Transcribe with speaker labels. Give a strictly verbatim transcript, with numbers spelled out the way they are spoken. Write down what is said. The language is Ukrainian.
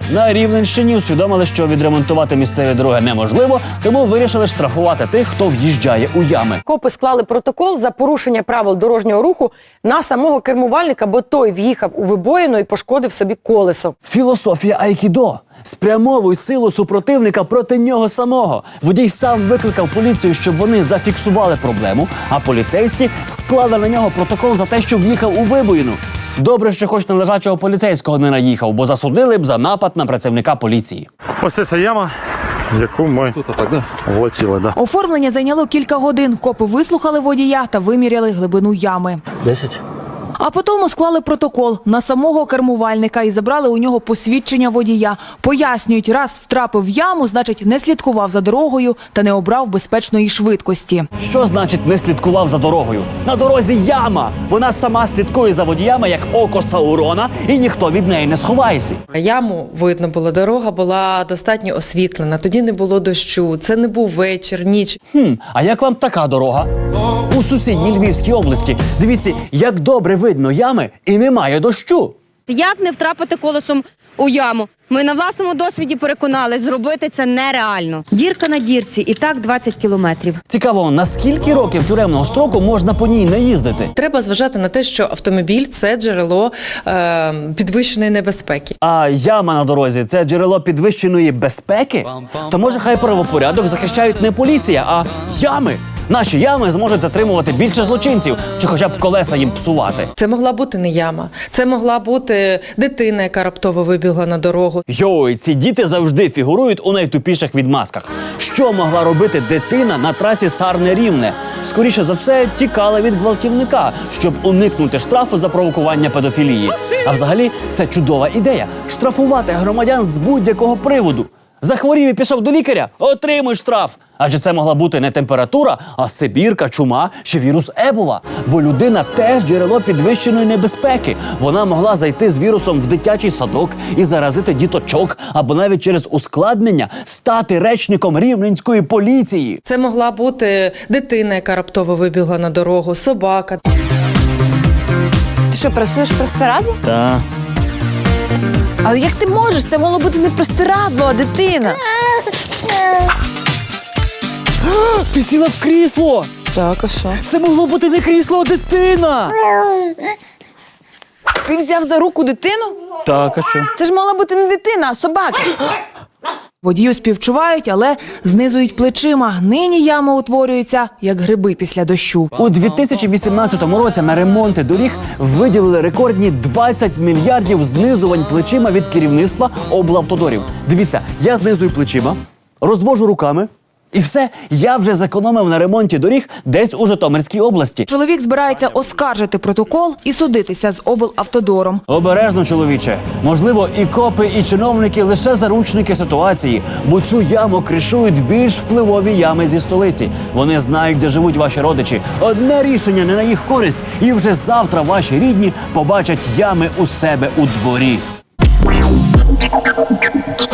Speaker 1: На Рівненщині усвідомили, що відремонтувати місцеві дороги неможливо, тому вирішили штрафувати тих, хто в'їжджає у ями.
Speaker 2: Копи склали протокол за порушення правил дорожнього руху на самого кермувальника, бо той в'їхав у вибоїну і пошкодив собі колесо.
Speaker 1: Філософія айкідо. Спрямовуй силу супротивника проти нього самого. Водій сам викликав поліцію, щоб вони зафіксували проблему, а поліцейські склали на нього протокол за те, що в'їхав у вибоїну. Добре, що хоч на лежачого поліцейського не наїхав, бо засудили б за напад на працівника поліції.
Speaker 3: Ось ця яма, яку ми влетіли. Да.
Speaker 4: Оформлення зайняло кілька годин. Копи вислухали водія та виміряли глибину ями.
Speaker 1: Десять.
Speaker 4: А потім склали протокол на самого кермувальника і забрали у нього посвідчення водія. Пояснюють, раз втрапив в яму, значить не слідкував за дорогою та не обрав безпечної швидкості.
Speaker 1: Що значить не слідкував за дорогою? На дорозі яма! Вона сама слідкує за водіями, як око Саурона, і ніхто від неї не сховається.
Speaker 5: Яму видно було, дорога була достатньо освітлена, тоді не було дощу, це не був вечір, ніч.
Speaker 1: Хм, а як вам така дорога? У сусідній Львівській області. Дивіться, як добре видно ями і немає дощу.
Speaker 6: Як не втрапити колесом у яму? Ми на власному досвіді переконались, зробити це нереально. Дірка на дірці, і так двадцять кілометрів.
Speaker 1: Цікаво, на скільки років тюремного строку можна по ній не їздити?
Speaker 5: Треба зважати на те, що автомобіль – це джерело е, підвищеної небезпеки.
Speaker 1: А яма на дорозі – це джерело підвищеної безпеки? То може хай правопорядок захищають не поліція, а ями? Наші ями зможуть затримувати більше злочинців, чи хоча б колеса їм псувати.
Speaker 5: Це могла бути не яма, це могла бути дитина, яка раптово вибігла на дорогу.
Speaker 1: Йой, ці діти завжди фігурують у найтупіших відмазках. Що могла робити дитина на трасі Сарне-Рівне? Скоріше за все, тікала від гвалтівника, щоб уникнути штрафу за провокування педофілії. А взагалі, це чудова ідея – штрафувати громадян з будь-якого приводу. Захворів і пішов до лікаря – отримуй штраф. Адже це могла бути не температура, а сибірка, чума чи вірус Ебола. Бо людина теж джерело підвищеної небезпеки. Вона могла зайти з вірусом в дитячий садок і заразити діточок, або навіть через ускладнення стати речником рівненської поліції.
Speaker 5: Це могла бути дитина, яка раптово вибігла на дорогу, собака.
Speaker 7: Ти що, працюєш простирадло?
Speaker 1: Так.
Speaker 7: Але як ти можеш? Це могло бути не простирадло, а дитина.
Speaker 1: Ти сіла в крісло!
Speaker 7: Так, а що?
Speaker 1: Це могло бути не крісло, а дитина!
Speaker 7: Ти взяв за руку дитину?
Speaker 1: Так, а що?
Speaker 7: Це ж мала бути не дитина, а собака.
Speaker 4: Водію співчувають, але знизують плечима. Нині яма утворюється, як гриби після дощу.
Speaker 1: У дві тисячі вісімнадцятому році на ремонти доріг виділили рекордні двадцять мільярдів знизувань плечима від керівництва облавтодорів. Дивіться, я знизую плечима, розвожу руками, і все, я вже зекономив на ремонті доріг десь у Житомирській області.
Speaker 4: Чоловік збирається оскаржити протокол і судитися з облавтодором.
Speaker 1: Обережно, чоловіче. Можливо, і копи, і чиновники лише заручники ситуації, бо цю яму кришують більш впливові ями зі столиці. Вони знають, де живуть ваші родичі. Одне рішення не на їх користь, і вже завтра ваші рідні побачать ями у себе у дворі.